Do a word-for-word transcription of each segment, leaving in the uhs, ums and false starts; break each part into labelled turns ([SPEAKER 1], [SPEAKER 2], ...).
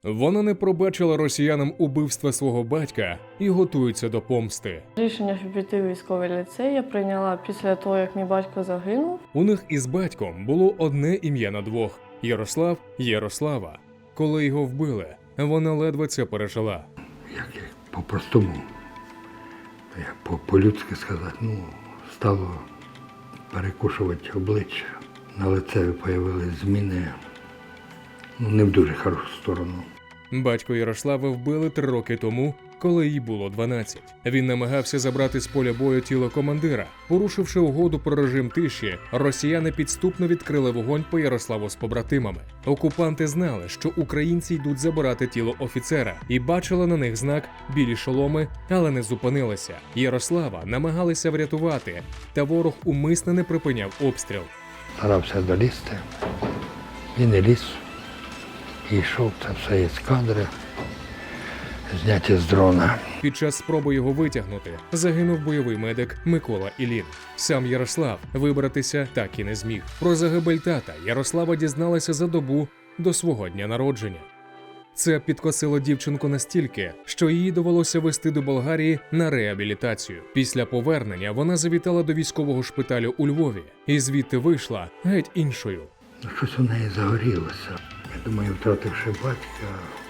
[SPEAKER 1] Вона не пробачила росіянам убивства свого батька і готується до помсти.
[SPEAKER 2] Рішення, щоб піти в військовий ліцей, я прийняла після того, як мій батько загинув.
[SPEAKER 1] У них із батьком було одне ім'я на двох – Ярослав Ярослава. Коли його вбили, вона ледве це пережила.
[SPEAKER 3] Як я по-простому, як по- по-людськи сказати, ну, стало перекушувати обличчя. На лицеві з'явилися зміни, ну, не в дуже хорошу сторону.
[SPEAKER 1] Батько Ярослава вбили три роки тому, коли їй було дванадцять. Він намагався забрати з поля бою тіло командира. Порушивши угоду про режим тиші, росіяни підступно відкрили вогонь по Ярославу з побратимами. Окупанти знали, що українці йдуть забирати тіло офіцера, і бачили на них знак «білі шоломи», але не зупинилися. Ярослава намагалися врятувати, та ворог умисно не припиняв обстріл.
[SPEAKER 3] Старався долізти, він не ліз. І йшов, це все є кадри, зняті з дрона.
[SPEAKER 1] Під час спроби його витягнути загинув бойовий медик Микола Ілін. Сам Ярослав вибратися так і не зміг. Про загибель тата Ярослава дізналася за добу до свого дня народження. Це підкосило дівчинку настільки, що її довелося везти до Болгарії на реабілітацію. Після повернення вона завітала до військового шпиталю у Львові і звідти вийшла геть іншою.
[SPEAKER 3] Ну, щось у неї загорілося. Я думаю, втративши батька,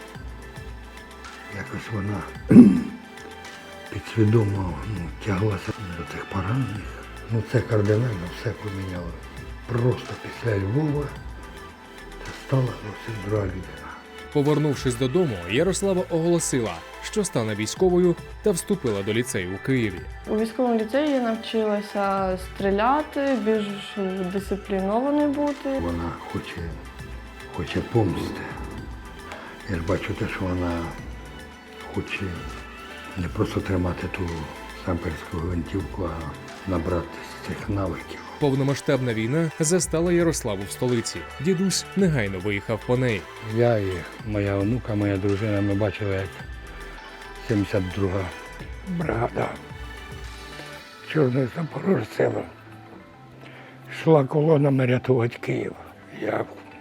[SPEAKER 3] якось вона підсвідомо ну, тяглася до тих поранених. Ну це кардинально все поміняло. Просто після Львова це стала зовсім друга людина.
[SPEAKER 1] Повернувшись додому, Ярослава оголосила, що стане військовою та вступила до ліцею у Києві.
[SPEAKER 2] У військовому ліцеї я навчилася стріляти, більш дисциплінованою бути.
[SPEAKER 3] Вона хоче, хоче помсти. Я ж бачу те, що вона хоче не просто тримати ту самперську гвинтівку, а набратися цих навиків.
[SPEAKER 1] Повномасштабна війна застала Ярославу в столиці. Дідусь негайно виїхав по неї.
[SPEAKER 3] Я і моя онука, моя дружина, ми бачили, як сімдесят друга бригада Чорної Запорожців йшла колонами рятувати Київ. Я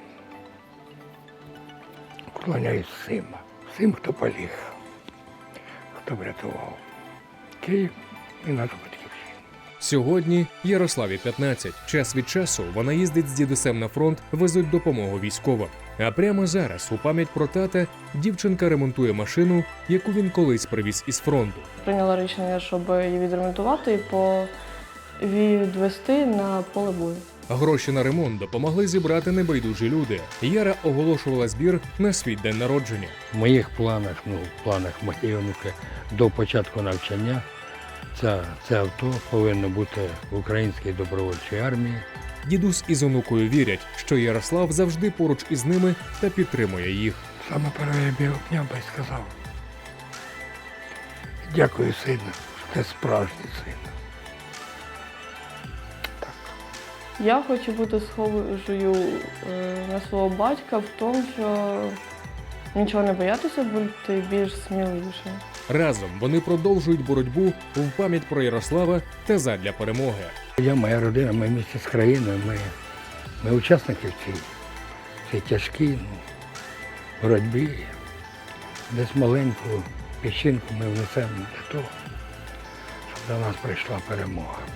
[SPEAKER 3] вклоняюсь всім, всім, хто поліг, хто врятував Київ і нашу батьківщину.
[SPEAKER 1] Сьогодні Ярославі п'ятнадцять. Час від часу вона їздить з дідусем на фронт, везуть допомогу військовим. А прямо зараз, у пам'ять про тата, дівчинка ремонтує машину, яку він колись привіз із фронту.
[SPEAKER 2] Прийняла рішення, щоб її відремонтувати і по- відвести на поле бою.
[SPEAKER 1] Гроші на ремонт допомогли зібрати небайдужі люди. Яра оголошувала збір на свій день народження.
[SPEAKER 3] В моїх планах, ну, в планах моєї онуки до початку навчання це, це авто повинно бути в українській добровольчій армії.
[SPEAKER 1] Дідусь із онукою вірять, що Ярослав завжди поруч із ними та підтримує їх.
[SPEAKER 3] Саме перше я б його обняв би і сказав: дякую, сину, що ти справжній син.
[SPEAKER 2] Я хочу бути схожою е, на свого батька в тому, що нічого не боятися, бути більш сміливішим.
[SPEAKER 1] Разом вони продовжують боротьбу в пам'ять про Ярослава та задля перемоги.
[SPEAKER 3] Я, моя родина, ми місті з країною, ми, ми учасники в цій, цій тяжкій ну, боротьбі. Десь маленьку піщинку ми внесемо для того, щоб до нас прийшла перемога.